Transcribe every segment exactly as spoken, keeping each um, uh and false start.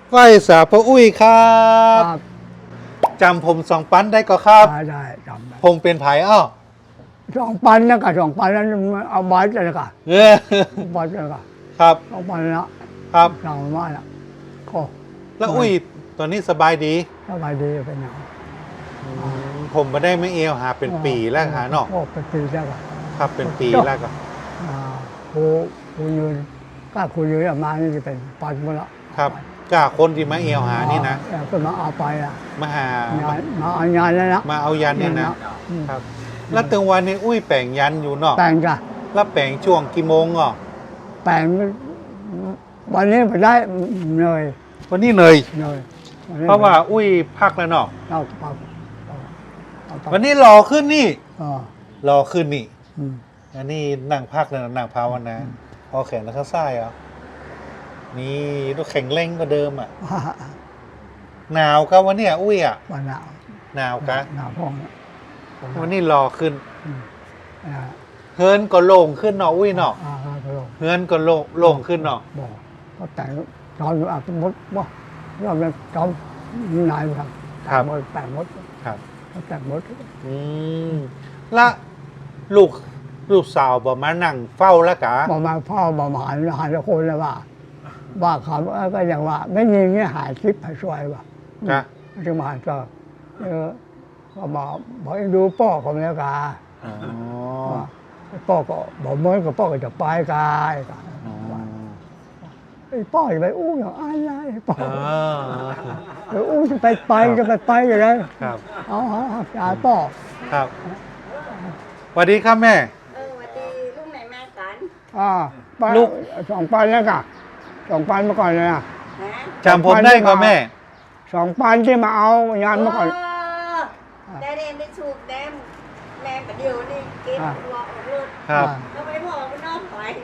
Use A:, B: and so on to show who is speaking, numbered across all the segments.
A: ไหว้สาพระอุ้ยครับจำผมสองปันได้ก็ครับ
B: ได้ได้จำได้
A: ผมเป็นไผ่อ้อ
B: สองปันนะกับสองปันนั้นเอาบาทเลยกับ
A: เออบ
B: าทเลยกับ
A: ครับ
B: สองปันนะครับเราว่าละก็
A: แล้วอุ้ยตอนนี้สบายดี
B: สบายดีเป็นอย่าง
A: ผมมาได้ไม่เอวหาเป็นปีแล้วหาเนาะ
B: โอ้เป็นปีแล้วก็
A: ครับเป็นปีแล้วก็
B: ครูครูยืนก็ครูยืนมานี่จะเป็นปันหมดละ
A: ครับกล้าคนที่มาเอวหานี่นะ
B: ก็มาเอาไปอ่ะ
A: มาหา
B: มาเอายันแล้วนะ
A: มาเอายันเนี่ยนะครับแล้วตึงวันนี้อุ้ยแปลงยันอยู่เนาะ
B: แปลงจ้ะ
A: แล้วแปลงช่วงกี่โมงอ่ะ
B: แปลงวันนี้ไปได้เหนื่อย
A: วันนี้เหนื่อยเพราะว่าอุ้ยพักแล้วเนาะวันนี้รอขึ้นนี่รอขึ้นนี่อันนี้นั่งพักแล้วนั่งภาวนาพอแขนแล้วข้างซ้ายอ่ะนี่ต้องแข็งแรงกว่าเดิมอ่ะหนาวครับวันนี้อุ้ยอ่ะ
B: วันหนาว
A: หนาวกะ
B: หนาวพ้อง
A: วันนี้รอขึ้นเฮิร์นก็โล่งขึ้นเนาะอุ้ยเนาะเฮิร์นก็โล่งโล่งขึ้นเนาะ
B: บอกก็แต่จอมอาจจะมดบ่ยอมเลยจอมนายครับ
A: ครับ
B: แต่มด
A: ครับ
B: แต่มด
A: อืมละลูกลูกสาวบอกมานั่งเฝ้าแล้วกะ
B: บอกมาเฝ้าบอกมาหันหันคนเลยว่าว่าเขาก็อย่างว่าไม่มีเงี้ยหายคลิปหายช่วยว่ะจะมาก็เออก็บอกบอกดูพ่อของแล้วกาพ่อก็บอกเมื่อก็พ่อก็จะไปกายไอ้พ่อจะไปอู้อย่างอะไรพ่อไปอู้จะไปไปจะไปไปอย่างไร
A: ครับ
B: เอาเอาจ่าพ่อ
A: ครับสวัสดีครับแม่
C: เออสวัสดีลูกไหนมากัน
B: อ่าลูกสองปันแล้วกันสองปันมาก่อนเลยนะ
A: จำผมได้ก็แม่
B: สองปันที่มาเอายานมาก่อน
C: ได้เรียนได้สูบแดมแม่ประเดี๋ยวนี่เก็บตัวออกรถ
A: ครับ
C: ก็ไปบอกมันน้องถอย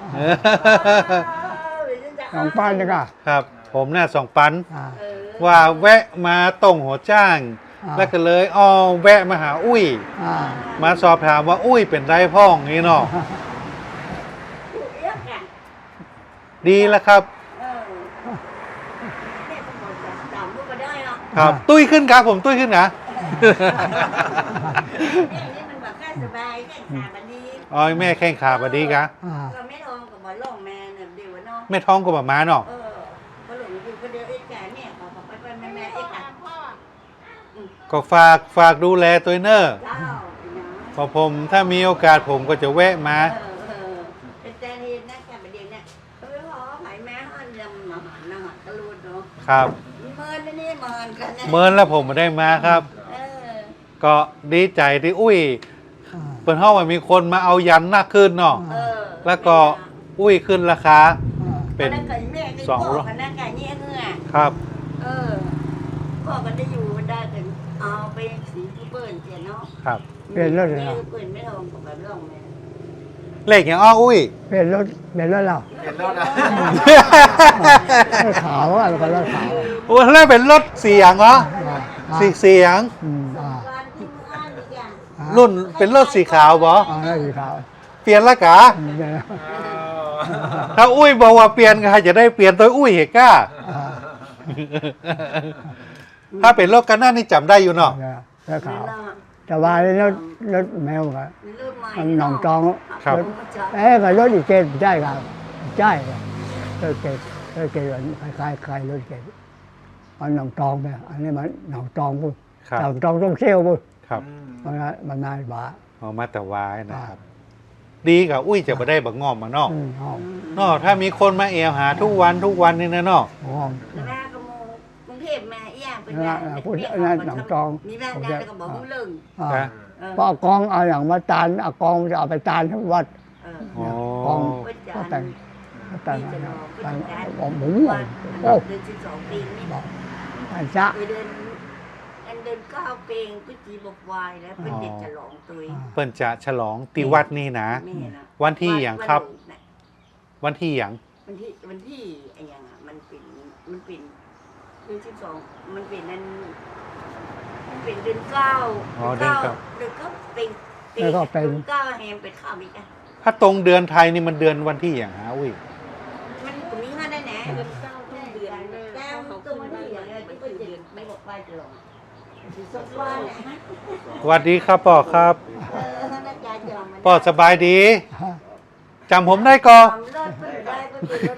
B: สองปันเลยกัน
A: ครับ ผมเนี่ยสองปันว่าแวะมาตรงหัวจ้างแล้วก็เลยอ๋อแวะมาหาอุ้ยมาสอบถามว่าอุ้ยเป็นไรพ่องนี่เนาะดีแล้วครับครับตุ้ยขึ้นครับผมตุ้ยขึ้นนะอ๋อแม่แข้งขาบดีครับ
C: แม่ทองกับบอลล่องแม่เนี่ยเดี๋ยวเนาะ
A: แม่ท้องกับม้าเนาะ
C: เออก็หลงอยู่คนเดียวเองแก่เนี่ยขอไปไปแม่แม่เองค่ะ
A: ก็ฝากฝากดูแลตัวเนอร์พอผมถ้ามีโอกาสผมก็จะแวะมา
C: เป็นแต่เรียนนะแกประเดี๋ยวเนี่ยเขาไม่พอหายแม่หันยำมาหันนะหันตะลุดเนาะ
A: ครับ
C: เมินนี่เมินกัน
A: เมินแล้วผมมาได้มาครับก็ดีใจที่อุ้ยเปิดห้องมันมีคนมาเอายันหน้าขึ้นเนาะแล้วก็อุ้ยขึ้นราคาเป็นสองร้อยครับ
C: เออก็กันได้อยู่ได้ถึงเอาไปสีที่เปิดเจียนเนาะ
A: ครับ
B: เปลี่ยนรถเลย
C: เปิดไม่ทองกับแบบร่องแม่
A: เล็กอย่างอ้ออุ้ย
B: เปลี่ยนรถเปลี่ยนรถเรา
A: เปลี่ยนรถนะ
B: ขาวอะไรก็รถขาว
A: โอ้แล้วเป็นรถเสียงเหรอสีเสียงรุ่นเป็นรถสีขาวบอ
B: สีขาว
A: เปลี่ยนละกะถ้าอุ้ยบอกว่าเปลี่ยนก็จะได้เปลี่ยนตัวอุ้ยเหกก้าถ้าเป็นรถกันหน้านี่จำได้อยู่เนาะ
B: รถขาวแต่ว่านี่รถรถแมวครับมันหนองจอง
A: ครับ
B: เอ๊ะกับรถอีกเกณฑ์ใช่ครับใช่รถเกณฑ์รถเกณฑ์คล้ายๆคล้ายรถเกณฑ์มันหนองจองไปอันนี้มันหนองจองปุ๊บหนองจองต้องเชี่ยวปุ๊บ
A: ครับ
B: มันมันนายบ้า
A: เอามาแต่วายนะครับดีกับอุ้ยจะมาได้บักงอมมาเนาะเนาะถ้ามีคนมาเอวหาทุกวันทุกวันนี่นะเนาะ
C: แม่ก็มูกรุงเทพมาเอี่ยงเป็น
B: พูดนั่นหนังจอง
C: นี่แม่ได้ก็บอกเรื่อง
B: เพราะกองเอาอย่างมาจานเอากองจะเอาไปจานทั้งวัดกองก็แต่งแต่งแต่งบอกหมูโอ้
C: เดือนสิบสองปีนี่บอก
B: อันจะ
C: เดือนอันเดือนเก้าเพลงกุจีบกวายแล้วเป็นเด็กฉลองตัว
A: เปิ้นจะฉลองตีวัดนี่นะวันที่อย่างครับวันที่อย่าง
C: วันที่วันที่ไอ้อย่างอ่ะมันเป็นมันเป็นเดือนสิบสองมันเป็นนั่นมันเป็นเดือนเก้าเดือนเก้าเดือนเก้าเป็นเดือนเก้าแฮมเป็นข้าวอีกอ่ะ
A: ถ้าตรงเดือนไทยนี่มันเดือนวันที่อย่างฮะอุ้ย
C: มันตรงนี้ก็ได้แน่เดือนเก้าเดือนเก้าของก็จะไม่บอกไปจะหลงสดว่าเนี่ยฮะ
A: สวัสดีครับป่อครับ
C: เออท่านอาจารย์ยอมมัน
A: ป่อสบายดีจำผมได้ก่อ
C: ทำรถก็ได้ก็เป็นรถ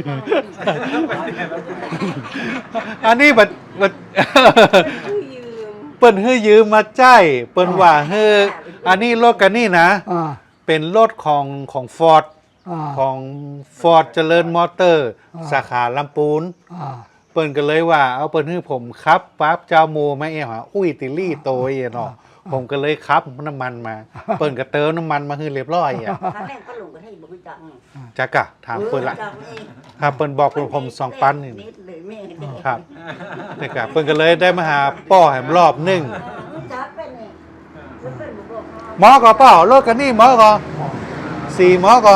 C: ได้
A: อันนี้บัดบัด
C: ผู้ยืม
A: เปิ้นให้ยืมมาใจายเปิ้นว่าเฮ้ออันนี้รถกันนี่นะ
B: อ่า
A: เป็นรถของของฟอร์ด
B: อ่า
A: ของฟอร์ดเจริญมอเตอร์
B: อ่า
A: สาขาลำปูน
B: อ่า
A: เปิ้นก็เลยว่าเอาเปิ้นให้ผมครับปั๊บเจ้าโมมาเอหาอุ้ยติลี่โตยเนาะผมก็เลยครับน้ำมันมา เปิ้นก็เติมน้ำมันมาให้เรียบร้อยอ่ะ
C: ถ้าแม่งก็หลงก็ให้บุกจัง
A: จักกะถามเปิ้นละ
C: จังเอง
A: ครับเปิ้นบอกผมสองปันนี่
C: นิดเลยแม่เด็ก
A: ครับนี่ครับเปิ้นก็เลยได้มาหาป้อแหมรอบหนึง
C: จับเป็นนี่มันเป็นบุกบอก
A: หมอก็เป้ารถกันนี่หมอก็สี่หมอก็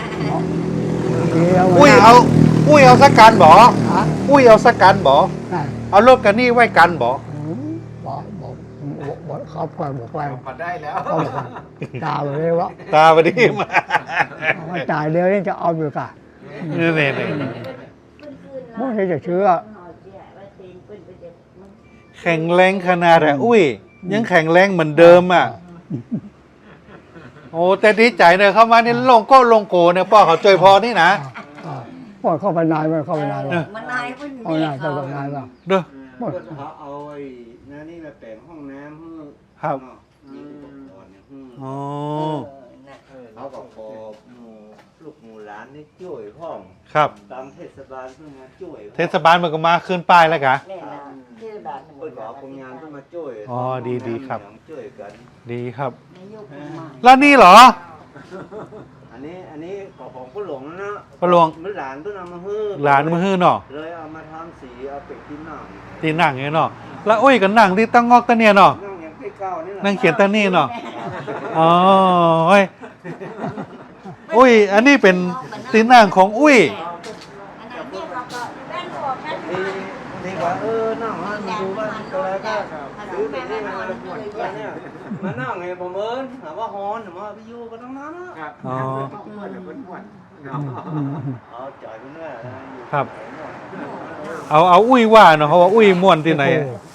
A: อุ้ยเอาอุ้ยเอาสักกันบ่
B: ฮะ
A: อุ้ยเอาสักกันบ่
B: นั่น
A: เอารถกันนี่ไว้กันบ่
B: บอกบอกบอกบอกเขาปล่อยบอกไป
D: มาได้แล้ว
B: เขาบอกว่าตาเลยว่า
A: ตาพอดีมา
B: เอามาจ่ายเดียวนี่จะเอาอยู่กะ
A: นี่นี่นี่
B: ไม่ใช่จะเชื่อ
A: แข็งแรงขนาดอะอุ้ย ยังแข็งแรงเหมือนเดิมอ่ะ โอ้แต่ดีใจเนอะเข้ามานี่ลงก็ลงโกเนี่ยป้อเขาจอยพอนี่นะ
B: อ่าปล่อยเข้าไปนายมันเข้าไปนายมัน
C: มันนายมัน
B: เอานายเข้าไปนายมัน
A: เด้อ
B: หมด
D: เขาเอาไอ้นั่นนี่มาแต่งห้องน้ำให้
A: ครับ
D: เนาะมีอุปกรณ์เนี่ยให้
A: อ๋อ
D: เขาก็ขอหมู่ลูกหมู่หลานนี่ช่วยห้อง
A: ครับ
D: ตามเทศบาลเพิ่งมาช่วย
A: เทศบาลมันก็มาขึ้นป้ายแล้วกะ
C: แม่นะที่ด่าน
D: เปิดขอคนงานเพิ่งมาช่วย
A: อ๋อดีดีครับ
D: ช่วยกัน
A: ดีครับ
C: นายกมา
A: แล้วนี่เหรอ
D: อันนี้อันนี้ของของผู้หลงนะ
A: ผู้หลง
D: มันหลานเพิ่งเอามาฮื้อ
A: หลานมือฮื้อเนาะ
D: เลยเอามาทำสีเอาเป็ดที่หนัง
A: ที่นั่งอย่างเนาะแล้วอุ้ยก็นั่งที่ตั้งงอกตะเนี่ยเนาะ
D: นั่งอย่างใกล้เก้านี่แหละ
A: นั่งเขียนตะนี่เนาะอ๋อเฮ้ยอุ้ย อันนี้เป็นที่นั่งของอุ้ย
C: อันนั้นเนี่ยเขาก็แม่นบอกแม่น
D: นี่นี่ว่าเออนั่งให้มันดูว่าตัวอะไรก็ซื้อแบบนี้มันมาหมดเนี่ยมานั่งไงผมเอิญถามว่าฮอนถามว่าพี่ยูก็ต้องนั่งนะ
A: อ๋อ
D: เอาจ่ายไปเรื่อย
A: ครับ เอาเอาอุ้ยว่าเนาะเขาว่าอุ้ยม่วนที่ไหน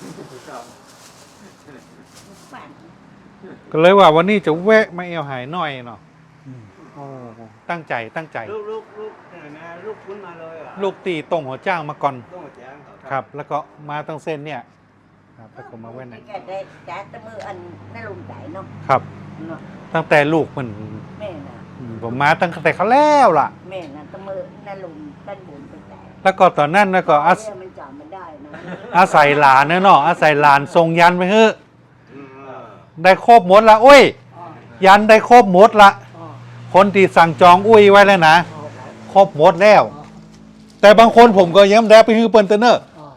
A: ก็เลยว่าวันนี้จะแวะมาเอวหายหน่อยเนาะโอ้ตั้งใจตั้งใจ
D: ลูกลูกลูกนะลูกคุ้นมาเลยอ่ะ
A: ลูกตีตรงหัวจ้างมาก่อน
D: ต้องแจ้ง
A: ครับ แล้วก็มาตั้งเส้นเนี่ยครับแล้วก็มาแว่นไหน
C: แกได้จ้าตะมืออันนั่นลงใจเนาะ
A: ครับ
C: เนาะ
A: ตั้งแต่ลูกมัน
C: แม่น่ะ
A: ผมมาตั้งแต่เขาแล้วล่ะ
C: แม่น่ะตะมือนั่นลงด้านบนไปแต่
A: แล้วก็ตอนนั้นแล้วก็อาศ
C: เรื่องมันจำมันได้นะ
A: อาศัยหลานเนาะอาศัยหลานทรงยันไปเฮ้อะ
D: อืม
A: ได้ครบหมดละอุ้ย
C: อ๋อ
A: ยันได้ครบหมดละ
C: อ๋อ
A: คนที่สั่งจองอุ้ยไว้แล้วนะ ครบหมดแล้ว แต่บางคนผมก็ยังได้ไปฮือเปิ้นเตอร์เนอร์
B: อ๋อ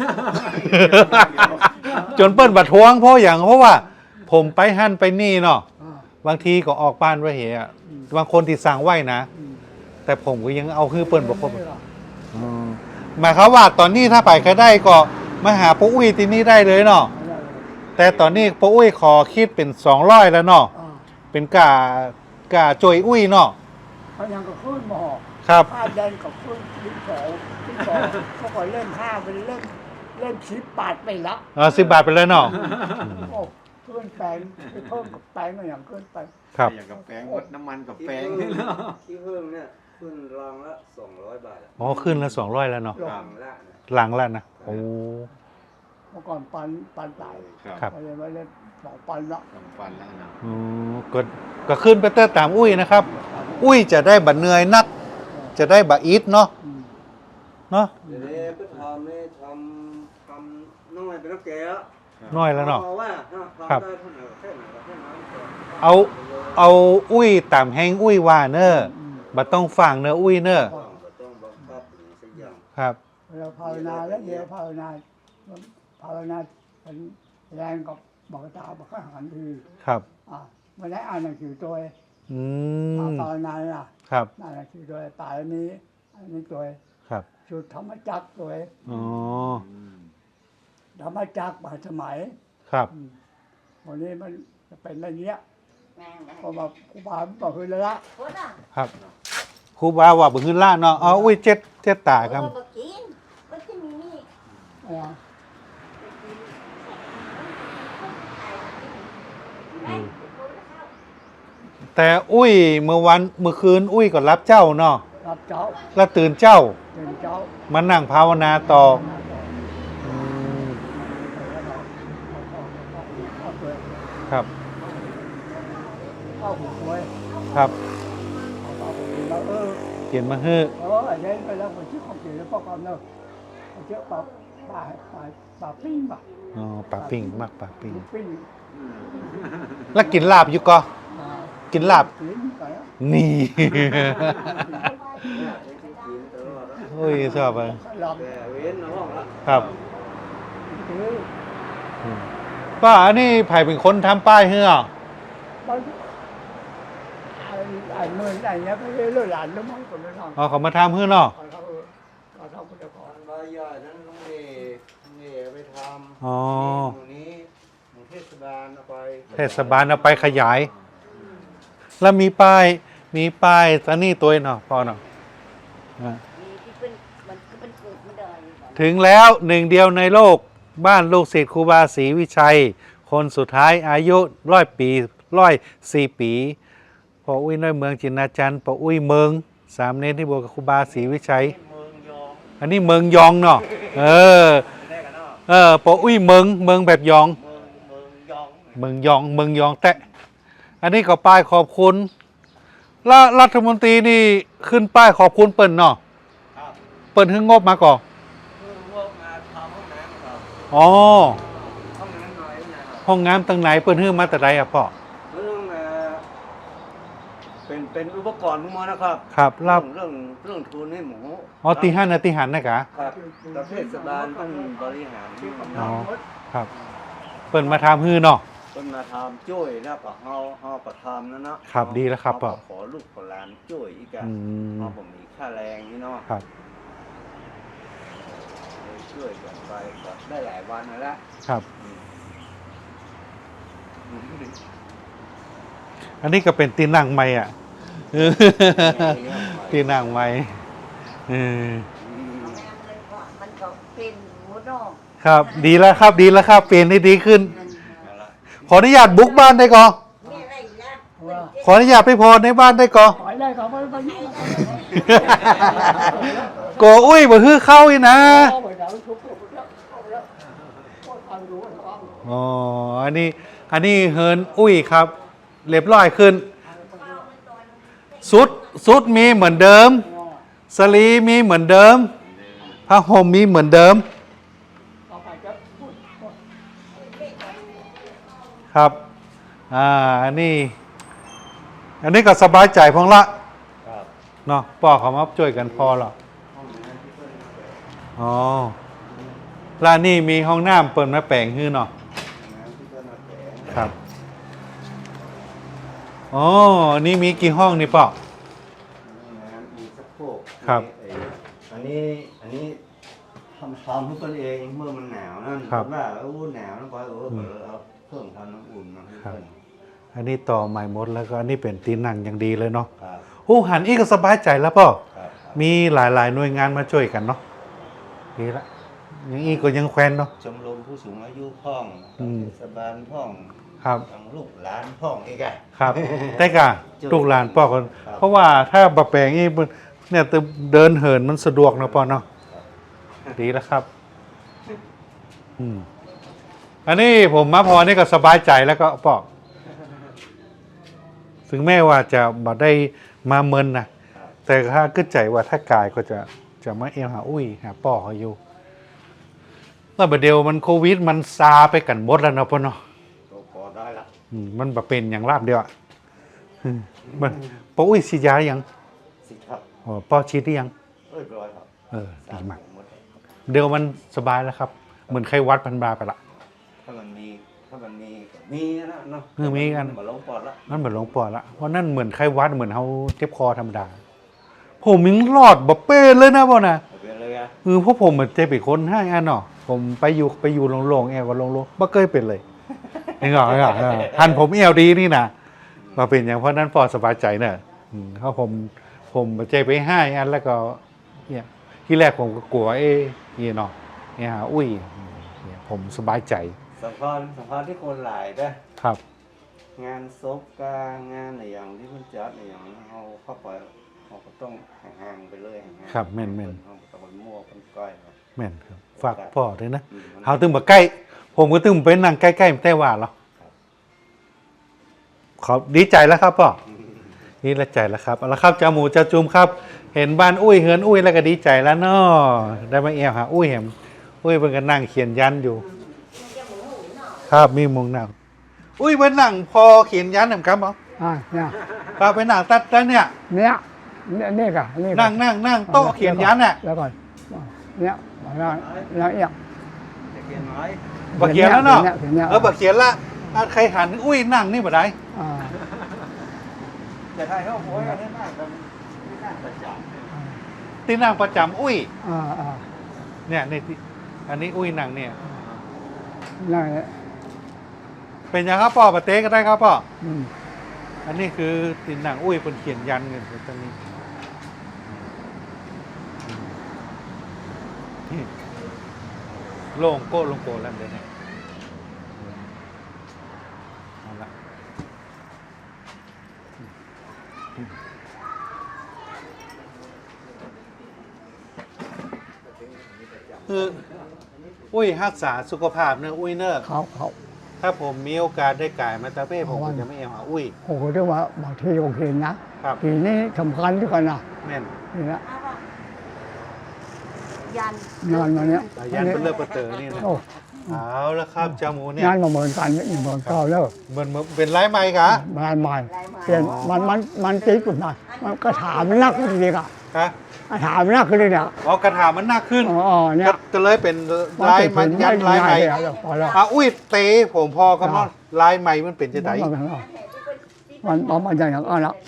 A: จนเปิ้นบัดทวงเพราะอย่างเพราะว่า ผมไปหั่นไปนี่เนาะ
B: อ๋อ
A: บางทีก็ออกบ้านไว้เหอะบางคนที่สั่งไว้นะ
B: อืม
A: แต่ผมก็ยังเอาฮือเปิ้นบ่ครบอืมหมายความว่าตอนนี้ถ้าไปใครได้ก็มาหาป้าอุ้ยที่นี่ได้เลยเนาะแต่ตอนนี้ป้าอุ้ยขอคิดเป็นสองร้อยแล้วเนาะ
B: อ๋อ
A: เป็นกากาจอยอุ้ยเนาะ
B: เขายังก็ขึ้นหมอ
A: ครับ
B: ผ้าแดงกับขึ้นลิ้นสองลิ้นสองเขาก็เล่นผ้าเป็นเล่นเล่นชิปปาดไปละ
A: อ๋อสิบบาทไปเลยเนาะ
B: โอ้เพื่อนแปลงไปเพิ่มกับแปลงก็อย่างขึ้นไป
A: ครับ
D: อย่างกับแป้งวัดน้ำมันกับแป้งที่เพิ่มเนี่ยขึ้นรางละสองร้อยบาท
A: อ๋อขึ้นละสองร้อยแล้วเนาะ
D: รางละ
A: หลังแล้วนะโอ้
B: เมื่อก่อนปันปันตาย
A: ครับ
B: ไปเลยไม่เล่นสองปันละ
D: สองพันแล้วนะ
A: อ๋อก็ก็ขึ้นไปเตอร์ตามอุ้ยนะครับ อุ้ยจะได้บัตเหนื่อยนัก จะได้บัตอีทเนาะ
B: อืม
A: เนาะ
D: เดี๋ยวนี้ก็ทำนี่ทำทำน้อยไปแล้วแกแล้ว
A: น้อยแล้วเนาะ
D: พราะว่าถ้า
A: ครับ
D: ทำได้เท่าไหร่แค่ไหนก็แค่นั้น
A: เอาเอาอุ้ยตามแห้งอุ้ยว่าเนอะบัตต้องฟังเนอะอุ้ยเนอะ
D: ต้องต้องบังคับหรือสักอย่าง
A: ครับ
B: เราภาวนาแล้วเดี๋ยวภาวนาภาวนาเป็นแรงกับบอกตาบอกข้าหันที
A: ครับ
B: อ่ะไม่ได้อ่านหนังสือตัวเอง
A: อืม
B: ภาวนาอ่ะ
A: ครับ
B: อ่านหนังสือตัวเองตายอันนี้อันนี้ตัวเอง
A: ครับ
B: จุดธรรมจักรตัวเอง
A: อ๋อ
B: ธรรมจักรมาสมัย
A: ครับ
B: อืมวันนี้มันจะเป็นอะไรเงี้ย
C: แม่นะ
B: พอมาครูบาบอกคือแล้วละ
C: โคตรอ่ะ
A: ครับครูบาว่าบึงขึ้นล่าเนาะอ๋ออุ้ยเจ็ดเจ็ดตาครับ
C: เออบอกกินก็จะมีนี่
B: อ่ะ
A: แต่อุ้ยเมื่อวันเมื่อคืนอุ้ยก็รับเจ้าเนาะ
B: รับเจ้า
A: แล้วตื่นเจ้า
B: เป็นเจ้า
A: มานั่งภาวนาต่ออืมครับ
B: เข้าหูไว้
A: ครับ
B: เข้าหูแล้วเออ
A: เขียนมาเฮ้อ
B: เออไอ้เล่นไปแล้วคนชื่อของเสียแล้วก็ความเนอะเขาเจ้าปลาปลาปลาปลาปิ้งปะ
A: อ๋อปลาปิ้งมากปลาปิ้ง
B: ปิ้ง
A: แล้วกินลาบอยู่ก็
B: อ่า
A: กินลาบ
B: ปิ้งไปแล้ว
A: นี่
D: กินตลอดแล้ว
A: โอ้ยชอบอ่ะ
B: ลำ
D: แต่เว้นห้องละ
A: ครับ
B: เออ
A: อืมป้าอันนี้ไผ่เป็นคนทำป้ายเฮ้อ
B: มันไอ้ไอ้เมืองไอ้เนี้ยไม่ได้เลือดหลานแล้วมั้งคนละน้อง
A: อ๋อเขามาทำเฮ้อเนาะ
B: เขาเขาเขาทำคนละก่อน
D: อันใบใหญ่นั้นลุงเอลุงเอไปทำ
A: อ๋อ
D: ตรงนี้หมู่เทศบาลเอาไป
A: เทศบาลเอาไปขยาย แล้วมีป้าย มีป้ายตอนนี้ตัวเนาะพอเนาะอ่ะ
C: มีที่เป็นมันก็เป็นเกิดไม่ได้
A: ถึงแล้วหนึ่งเดียวในโลกบ้านลูกศิษย์ครูบาศรีวิชัย คนสุดท้ายอายุร้อยปีร้อยสี่ปีพออุ้ยน้อยเมืองจินนาจันทร์พออุ้ยเมืองสามเณรที่บวชกับครูบาศรีวิชัย
D: เมืองยอง
A: อันนี้เมืองยองเนาะเออ
D: ได้กันเนาะ
A: เออพออุ้ยเมืองเมืองแบบยอง
D: เมืองเมืองยอง
A: เมืองยองเมืองยองแตะอันนี้ก็ป้ายขอบคุณแล้วรัฐมนตรีนี่ขึ้นป้ายขอบคุณเปิ้นเนาะ
D: ครับ
A: เปิ้นให้งบมาก่อน
D: คือพวกมาทำห้องน้ำครับ
A: อ๋อ
D: ห้องน้ำน้อยนะครับ
A: ห้องน้ำตั้งไหนเปิ้นให้มาแต่ใดอ่ะพ่อ
D: เรื่องเอ่อเป็นเป็นอุปกรณ์พวกมันนะครับ
A: ครับรับ
D: เรื่องเรื่องทุนให้หมู
A: อ๋อตีห้านาตีหันนะกะ
D: ครับประเทศบาลต้องบริหาร
A: อ๋อครับ เปิ้นมาทำฮื้อเนาะ
D: เป็นมาทำช่วยแล้วก็เฮาเฮาประทำนั่นเนาะ
A: ครับดีแล้วครับ
D: เฮา
A: พ่อ
D: ก็ขอลูกขอหลานช่วยอีกอะ
A: อืม
D: เฮาบ่มีค่าแรงนี่เนาะ
A: ครับ
D: เลยช่วยกันไปก็ได้หลายวันแล้วละ
A: ครับ
D: อืม
A: อันนี้ก็เป็นตีนั่งใหม่อ่ะเออตีนั่งใหม่เออ
C: มันก็เป็นหัวนอก
A: ครับ ดีแล้วครับ ดีแล้วครับ เปลี่ยนได้ดีขึ้น
D: เอาละ
A: ขออนุญาตบุกบ้านได้ก่อน
C: มีอะไรอีกนะ
A: ขออนุญาตไปพรในบ้านได้ก่อน
B: ปล่อยได้เขาไปไปยุ่ง
A: โกอุ้ยบ่ฮื้อเข้าอีกนะ
B: เอาไปแล้วทุบทุบแล้วเอาแล้วโคตรทำรู้ว่าเขา
A: อ๋อ อันนี้ อันนี้เฮินอุ้ยครับ เรียบร้อยขึ้น สุด สุดมีเหมือนเดิม สลีมีเหมือนเดิม ผ้าห่มมีเหมือนเดิม
B: เอาไปจะพูด
A: ครับ อ่า อันนี้ อันนี้ก็สบายใจพองละ
D: ครับ
A: เนาะป่อเขามาช่วยกันพอหรอ
D: ห้องน้ำที่เพิ่นแปลง
A: อ๋อร้านนี้มีห้องน้ำเปิดมาแปลงฮื้อเนาะ
D: ห้องน้ำที่เพิ่นมาแปลง
A: ครับ อ๋อ นี่มีกี่ห้องนี่ป่อ
D: ห้องน้ำมีสะโพก
A: ครับ
D: ไอ้อันนี้อันนี้ทำทำทุกคนเองเมื่อมันหนาวนั่น
A: ครับ
D: ว่าโอ้หนาวแล้วก็เออเออเอาเพิ่มทำน้ำอุ่นมาให้
A: ครับ
D: เพิ่น
A: อันนี้ต่อใหม่หมดแล้วก็อันนี้เป็นตีนังอย่างดีเลยเนาะ
D: ครับ
A: โอ้หันอีกก็สบายใจแล้วป่อ
D: ครับ
A: มีหลายๆหน่วยงานมาช่วยกันเนาะดีละอย่างอีกก็ยังแควนเนาะ
D: ชมรมผู้สูงอายุพ่อง
A: อืม
D: เทศบาลพ่อง
A: ครับ
D: ทางลูกหลานพ่องอีกอะ
A: ครับ แต่กะลูกหลานป่อคน
D: ครับ
A: เพราะว่าถ้าบะแปลงอีกมันเนี่ยเดินเหินมันสะดวกเนาะป่อเนาะดีแล้วครับ อืมอันนี้ผมมาพอนี่ก็สบายใจแล้วก็ป่อถึงแม้ว่าจะบ่ได้มาเมินนะแต่ถ้าขึ้นใจว่าถ้ากายก็จะจะมาเอวหาอุ้ยหาป่อเขาอยู่แล้วประเดี๋ยวมันโควิดมันซาไปกันหมดแล้วเนาะพ่อเนาะ
D: ก็พอได้ละ
A: อืมมันแบบเป็นอย่างราบเดียวอ่ะอืมมันป่ออุ้ยฉีดยาหรือยัง
D: สิครับ
A: อ๋อป่อฉีดหรือยัง
D: เรียบร้อยครับ
A: เออดีมาก
D: หมด
A: เดี๋ยวมันสบายแล้วครับ เหมือนไข้หวัดพันบาไปละ
D: ถ้ามันมีถ้ามันมีก็มีนะเนาะ
A: เออมีกัน
D: มาลงปอดละ
A: มันเหมือนหลงปอดละเพราะนั่นเหมือนไข้หวัดเหมือนเขาเจ็บคอธรรมดา ผมยังรอดบ่เป้เลยนะบ่นะ
D: เอาเป็นเลยอะ
A: คือพวกผมเหมือนเจ็บอีกคนให้อันเนาะผมไปอยู่ไปอยู่โล่งๆแอวก็โล่งๆบ่เคยเป็นเลยเห็นเหรอเห็นเหรอเออทันผมเอวดีนี่นะมาเป็นอย่างเพราะนั้นปอดสบายใจเนอะอืมเพราะผมผมเจ็บไปให้อันแล้วก็เนี่ยที่แรกผมก็กลัวเอ๊ะเนี่ยเนาะเนี่ยหาอุ้ยเนี่ยผมสบายใจ
D: สำคัญสำคัญที่คนหลายนะครับงานศพกางานอะไรอย่างที่มันจัดอะไรอย่างเขาเข้าไปเขาก็ต้องห่างๆไปเลยห่างๆ
A: ครับแม่นๆ
D: เขาต้องไปมั่วกันก้อยครับ
A: แม่นครับฝากพ่อด้วยนะ
D: อืมมัน
A: เฮาตึงมาใกล้ ผมก็ตึงไปนั่งใกล้ๆแต่ว่าเหรอขอดีใจแล้วครับพ่อนี่ละใจแล้วครับเอาละครับเจ้าหมูเจ้าจุ่มครับ เห็นบ้านอุ้ยเฮือนอุ้ยแล้วก็ดีใจแล้วเนาะได้มาเอวหาอุ้ยเห็นอุ้ยเพิ่นก็นั่งเขียนยันอยู่ ครับมีมุงนั่งอุ้ยเพิ่นนั่งพอเขียนยันนำครับบ่
B: อ่าเนี่ย
A: ครับไปนั่งตัดแล้วเนี่ย
B: เนี่ยเนี่ยนี่กะนี่กะ
A: นั่งนั่งนั่งโต๊ะเขียนยันน่ะ
B: แล้วก่อนเนี่ยแล้วแล้วเอียง
D: จะเขียนน้อย
A: บ่เขียนแล้วเนาะ
B: เขียนเนี่ย
A: เออบ่เขียนละอ่ะใครหันอุ้ยนั่งนี่บ่ได้
B: อ่า
D: จะถ่ายเข้าโพสกันได้มากกันไม่น่าจะจับ
A: ที่นั่งประจำอุ้ย
B: อ่าอ่า
A: เนี่ยในที่อันนี้อุ้ยนั่งเนี่ย
B: นั่น
A: เป็นยังครับพ่อปะเต้ก็ได้ครับพ่อ
B: อืม
A: อันนี้คือตินหนังอุ้ยเป็นเขียนยันเงินตรงนี้นี่โล่งโก้ลงโกแล้วเดี๋ยวนี้เอาละคืออุ้ยรักษาสุขภาพเนอะอุ้ยเนอะ
B: เขาเขา
A: ถ้าผมมีโอกาสได้ก่ายมาตาเป้ผมก็จะไม่เอาหาอุ้ย
B: โอ้โหเรียกว่าบางทีโอเคนะครับ ทีนี้สำคัญที่กันนะ
A: แม่น
B: นี่นะ
C: ยัน
B: งานมาเนี้ย
A: สายันเป็นเลือกประเตอนี่นะ
B: โอ้
A: เอาละครับจาหมูเนี่ย
B: งานมาเหมือนกันนี่เหมือนเก่าแล้ว
A: เหมือนเป็นไร้ไม้กะ
B: งานใหม่เปลี่ยนมันมันมันติ๊กขึ้นมามันก็ถามมันนักขึ้นดีอ่ะ
A: ฮะ
B: ถามมันนักขึ้นเลยเนี่ย
A: อ๋อกระถามันหนักขึ้น
B: อ๋อเนี่ย
A: ก็ก็เลยเป็นลายมันยันลายไม้
B: พอแล้ว
A: อ่ะอุ้ยเตะผมพอคำว่าลายไม้มันเป็นจะได
B: มันมันมันอย่างนั้นแล้ว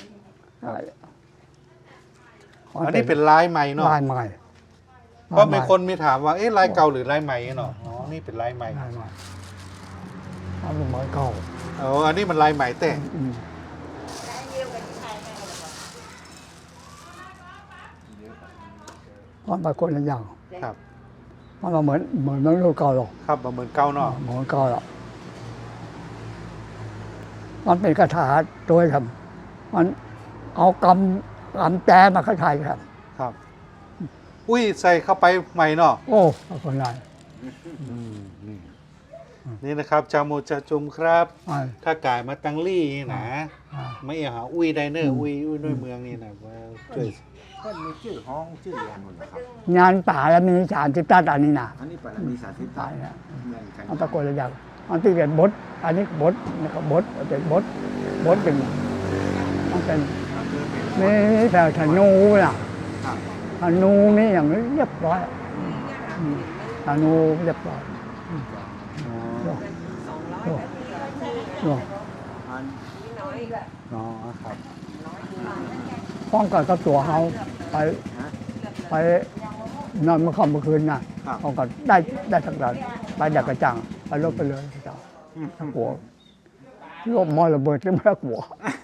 A: อันนี้เป็นลายไม้เนาะ
B: ลายใหม่
A: เพราะมีคนมีถามว่าเอ๊ะลายเก่าหรือลายใหม่เนาะอ๋อนี่เป็นลายใหม่
B: ลายใหม่เอาเป็นเหมือนเก่า
A: อ๋ออันนี้มันลายใหม่แต่
B: อืมมันเป็นคนละอย่าง
A: ครับ
B: มันเหมือนเหมือนมันรู้เก่าหรอก
A: ครับเหมือนเก่าเนาะ
B: เหมือนเก่าหรอกมันเป็นคาถาโดยทำมันเอากำกำแจมาคาถาครับ
A: ครับ อุ้ยใส่เข้าไปใหม่เนาะ
B: โอ้คนไร
A: อืมนี่นี่นะครับจามูจาจุมครับ
B: อ่า
A: ถ้ากายมาตังลี่นี่นะ
B: อ่า
A: ไม่เอาหาอุ้ยไดเนอร์อุ้ยอุ้ยด้วยเมืองนี่นะว่าช่วย
E: ก็มีชื่อห้องชื่อเรียนหมดนะครับ
B: งานป่าแล้วมีสารสิบตันอันนี้นะ
E: อันนี้ปรมีสาธิต
B: ตายนะ
E: เหมือนกัน
B: มันตะโกนระยะมันที่เป็นบดอันนี้บดนี่ก็บดเป็นบดบดเป็นมันเป็นนี่นี่แต่ธนูน่ะ
E: ครับ
B: ธนูนี่อย่างนี้เรียบร้อยอืมธนูเรียบร้อยโอ้โอ้โอ้
E: อัน
A: อ๋อครับ
B: ป้องกันกับตัวเขาไป
E: ฮะ
B: ไปนอนเมื่อค่ำเมื่อคืนน่ะ
E: ครับ
B: ป้องกันได้ได้ทั้งนั้นไปดักกระจังไปลบไปเลยกระจังทั้งหัวลบมอระเบิดก็ไม่กลัว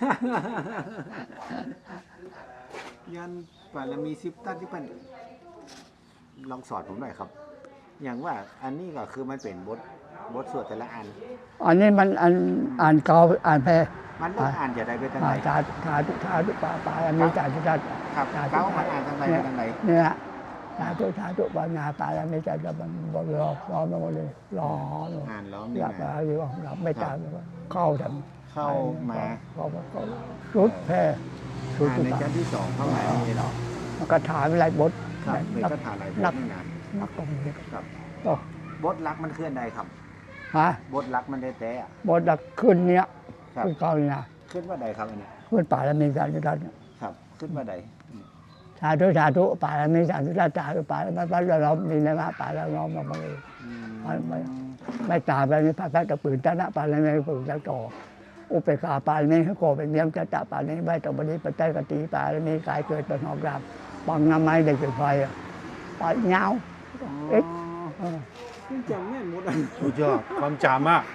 E: ยันปรมีสิบตันที่เป็นลองสอนผมหน่อยครับ อย่างว่าอันนี้ก็คือมันเป็นบทบทสวดแต่ละอัน
B: อันนี้มันอันอ่านเกาอ่านแพร
E: มันต้องอ่านจะได้ไปทางไหน
B: อ่านชาชาทุชาทุปาปาอันนี้ชาทุชา
E: ครับ
B: ชา
E: เก้ามันอ่านทางไหนไปทางไหน
B: เนี่ยชาทุชาทุปานาปาอันนี้ชาจะมันบอกรอรอมาหมดเลยรอ
E: อ่านล้อม
B: อ
E: นี่
B: ยาก
E: นะ
B: มาอยู่เราไม่ตามเข้าทำ
E: เข้ามา
B: เข้ามาเข้าชุดแพรชุด
E: อ่าน
B: ทุ
E: ใน
B: ปา
E: ชั้นที่สองเข้ามานี่เนาะ
B: มันก็ถามอะไรบท
E: ครับใน
B: นัก
E: คาถาอะไรบ
B: นั
E: ท
B: ก
E: นี่นะ
B: นักตรงนี้
E: ครับ
B: โอ้
E: บทรักมันเคลื่อนใดครับ
B: ฮะ
E: บทรักมันได้แต่อะ
B: บทดักขึ้นเนี้ย
E: ครับ
B: ขึ้นเก่าเนี่ย
E: ขึ้นว่าใดครับอันนี้
B: ขึ้นป่าแล้วมีสารทุชา
E: ครับ ขึ้นว่าใด
B: สาธุสาธุป่าแล้วมีสารทุชาสาธุป่าแล้วมันมันเรามีนะมาป่าแล้วน้อมมาเลย
E: อืม
B: ไม่ไม่ไม่ตามไปนี่พระพักตะปืนตนะปาลไม่ปืนตะต่ออุเปกขาปาลไม่ให้โกเป็นเยี่ยมจะตะปาลไม่ตบดีปัจจัยกติปาลไม่กายเกิดเป็นหอกรามปังน้ำไม้ได้เกิดไฟปาเงาเอ็ก
E: อ๋อจำแม่นหมดอ่ะ
A: สุดยอดความจำมาก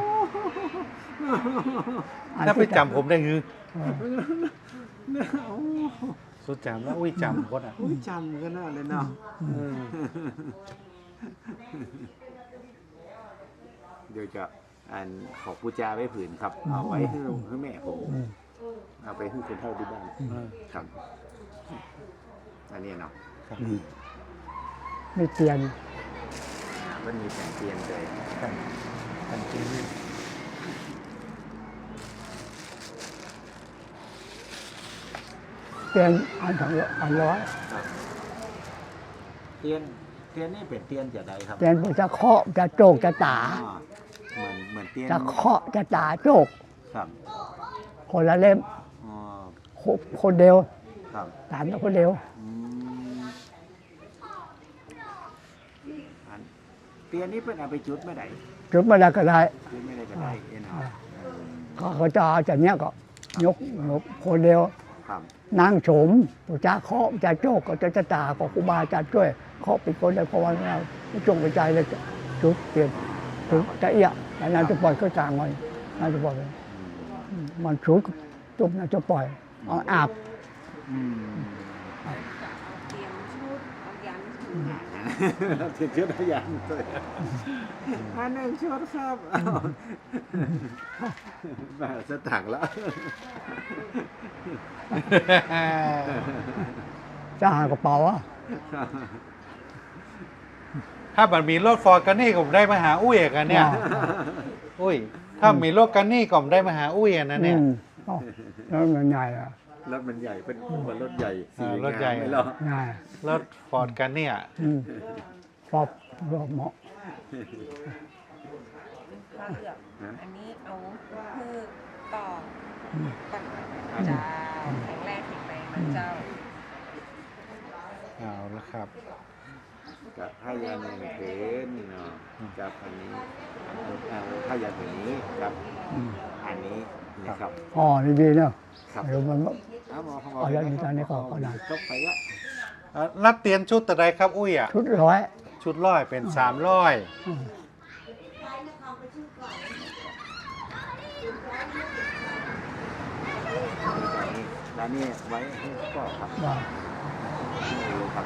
A: ถ้าไปจำผมได้คือสุดจำแล้วอุ้ยจำคนอ่ะ
E: อุ้ยจำกันน่าเลยเนาะเออเดี๋ยวจะอันขอปูจาไว้ผืนครับ เอาไว้ให้ให้แม่ผม
B: อืม
E: เอาไปให้คนเฒ่าที่บ้าน
A: เออ
E: ครับ อันนี้เนาะ
B: อืมไม่เตียน
E: อ่ามันมีแสงเทียนเลย
A: ครับอันที่นี่
B: เตียนอันสองร้อยอันร้อย
E: ครับเทียนเทียนนี่เป็นเทียนจะใดครับ
B: เตียนพวกจะเคาะจะโจกจะตา
E: อ๋อเหมือนเหมือนเทียน
B: จะเคาะจะตาโจก
E: ครับ
B: คนละเล่ม
E: อ๋อ
B: คนคนเดียว
E: ครับ
B: ตามแล้วคนเดียว
E: อืมอันเทียนนี่เป็นเอาไปจุดไม่ได้
B: จุดมาแล้วก็ได้
E: จุดไม่ได้ก็ได้เอ็นเอา
B: เขาเขาจะเอาจากเนี้ยก็ยกยกคนเดียว
E: ครับ
B: นั่งโฉมผู้จ้าเคาะจะโจกก็จะจะตาก็ครูบาอาจารย์ช่วยเคาะเป็นคนได้เพราะว่าเราไม่จงไปใจเลยจุดเปลี่ยนจุดจะเอียแล้วนานจะปล่อยก็จางมันนานจะปล่อยมันชุดจุบนานจะปล่อยเอาอาบ
E: อืม
C: เตรียมชุดเอายันถึงหา
E: เทียนชุดพยานเลยอันหนึ่งชุดครับเอาแบบสถังแล้ว
B: จะหากระเป๋าอะ
A: ถ้ามันมีรถฟอร์ดกันนี่ผมได้มาหาอุ้ยกันเนี่ย อุ้ย ถ้ามีรถกันนี่ก็ผมได้มาหาอุ้ยอันนั้นเนี่ย
B: อืมเอ้าแล้วมันใหญ่อะ
E: รถมันใหญ่เป็นเหมือนรถใหญ่
A: อ่ารถใหญ่
E: ไม่หรอก
B: ใหญ่
A: รถฟอร์ดกันเนี่ย
B: อืมฟอบรอบเหมาะ
F: ข้าวเลือกอันนี้เอาคือต่อ
B: อืม
F: ก่อนจะแข็งแรงแข็งแรงมันเจ้า
A: เอาละครับ
E: กับผ้ายาหนึ่งเพนเนาะกับอันนี้เอาผ้ายาผืนนี้กับ
B: อืม
E: อันนี้นะครับ
B: อ๋อดีๆเนาะ
E: ครับ
B: เดี๋ยวมัน
E: เอาหมอเขาบ
B: เอาอย่างนี้ตอนนี้ก็ก็ได้
E: ก็ไปละ
A: อ่ะรับเตียนชุดแต่ใดครับอุ้ยอ่ะ
B: ชุดร้อย
A: ชุดร้อยเป็นสามร้อย
B: อืม
E: ร้านนี้ไว้ให้ก็ครับ
B: ว่า
E: ครับ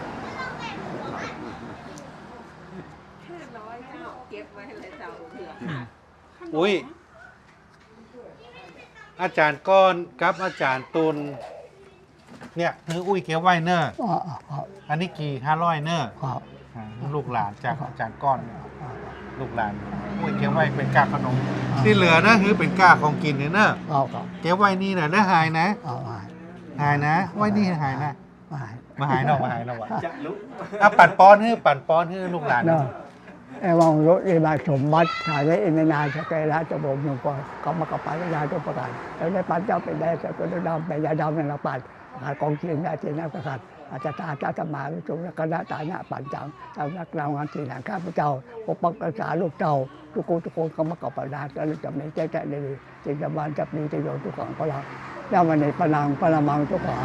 F: ห้าร้อยเจ้าเก็บไว้เลยเจ้าเผื่อ
A: อุ้ย อาจารย์ก้อนกับอาจารย์ตุลเนี่ยคืออุ้ยเกียวไว้เนอร์
B: อ๋ออ๋ออ๋อ
A: อันนี้กี่ห้าร้อยเนอร์
B: ครับ
A: อ่าลูกหลานจากอาจารย์ก้อนเนี่ย
B: อ๋อ
A: ลูกหลานอุ้ยเกียวไว้เป็นกาขนม ที่เหลือนะคือเป็นกาของกินเนี่ยเนอะ
B: เอาครับ
A: เกียวไว้นี่นะแล้วหายนะ
B: เอาหาย
A: หายนะ ไว้นี่หายนะ
B: หาย
A: มาหายเนอกมาหายเนอกวะ
E: จะลุก
A: อ่ะปั่นป้อนให้ปั่นป้อนให้ลูกหลาน
B: เนาะไอ้วังรถอีบาสมบัติถ่ายได้อินนาจะไกลละจะบอกหนึ่งก่อนก็มากับปัญญาตัวประกันแล้วได้ปัญญาเป็นได้แต่ก็ได้ดำเป็นยาดำในละปันหากองเทียนได้เทียนนักประกันอาจจะตาจ้าธรรมาวิจงและคณะตาหน้าปันจังทำนักเรางานที่หลังข้าพเจ้าปกปักรักษาลูกเจ้าทุกคนทุกคนก็มากับปัญญาแล้วจะไม่แจ้งแจ้งเลยจึงจะบานจะมีประโยชน์ทุกของพลังแล้ววันนี้พลังพลังมังทุกของ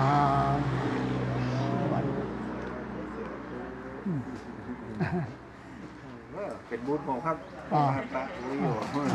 E: เป็นบูธผมครับ
B: อ่า
E: ปะอุ้ยอยู่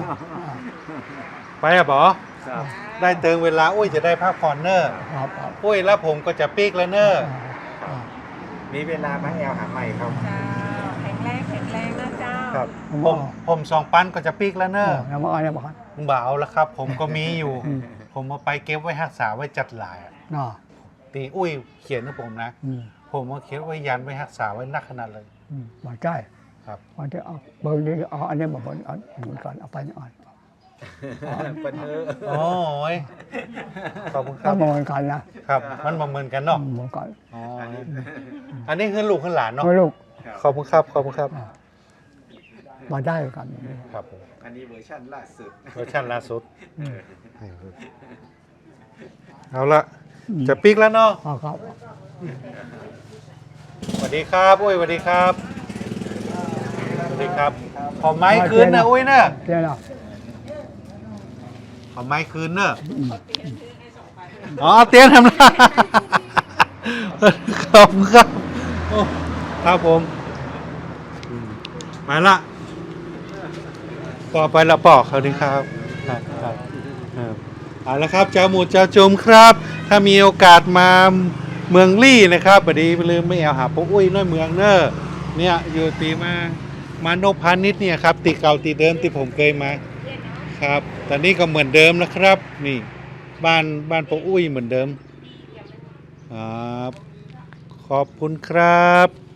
A: ไปอะบอ
E: ครับ
A: ได้เติงเวลาอุ้ยจะได้พักผ่อนเนอร์
B: ครับครับ
A: อุ้ยแล้วผมก็จะปีกแล้วเนอร์
B: อ่า
E: มีเวลามาแอลหาใหม่ครับ
F: เจ้าแข็งแรงแข็งแรงนะเจ้า
A: ครับ
B: ผม
A: ผ
B: บอ
A: ม
B: ก
A: ผมสองปันก็จะปีกแล้วเนอร์
B: แล้วมาเอาเนี่ยบอกครับ
A: บ่าวแล้วครับ ผมก็มีอยู่
B: อืม
A: ผมเอาไปเก็บไว้รักษาไว้จัดหลายอะ
B: เนาะ
A: ตีอุ้ยเขียนให้ผมนะ
B: อืม
A: ผมเอาเขียนไว้ยันไว้รักษาไว้นักขนาดเลย
B: อืมมาใช่
A: ครับ
B: วันที่เอาเบอร์นี้เอาอันนี้มาบนเอาเหมือนกันเอาไปนี่อ่อน
E: ปันเถอะ
A: โอ้ยขอบคุณค
B: ถ้า
A: รับ
B: มองกันนะครับ
A: มันมาเหมือนกันเนาะ
B: มองกัน
A: อ๋อ
E: อันนี้
A: อันนี้คือลูกคือหลานเนาะ
B: ไม่ลูก
A: ขอบคุณครับขอบคุณครับ
B: มาได้กัน
A: ครับผม
E: อันนี้เวอร์ชันล่าสุด
A: เวอร์ชันล่าสุด
B: อืม
A: เอาละจะปีกแล้วเนาะ
B: เอาครับ
A: สวัสดีครับอุ้ยสวัสดีครับสวัสดีครับขอไม้คืนนะอุ้ยเนอะ
B: เจ้าเนาะ
A: ขอไม้คืนเนอะอ๋อเตี้ยนทำละขอบคุณครับโอ้ครับผมอืมมาละต่อไปละปอกเขาดีครับครับครับครับเอาละครับเจ้าหมูเจ้าจุมครับ ถ้ามีโอกาสมาเมืองลี่นะครับบดีลืมไม่เอาหาพวกอุ้ยน้อยเมืองเนอร์เนี่ยอยู่ตีมามานพพาณิชย์เนี่ยครับตีเก่าตีเดิมที่ผมเคยมาครับตอนนี้ก็เหมือนเดิมนะครับ นี่บ้านบ้านป้าอุ้ยเหมือนเดิมครับขอบคุณครับ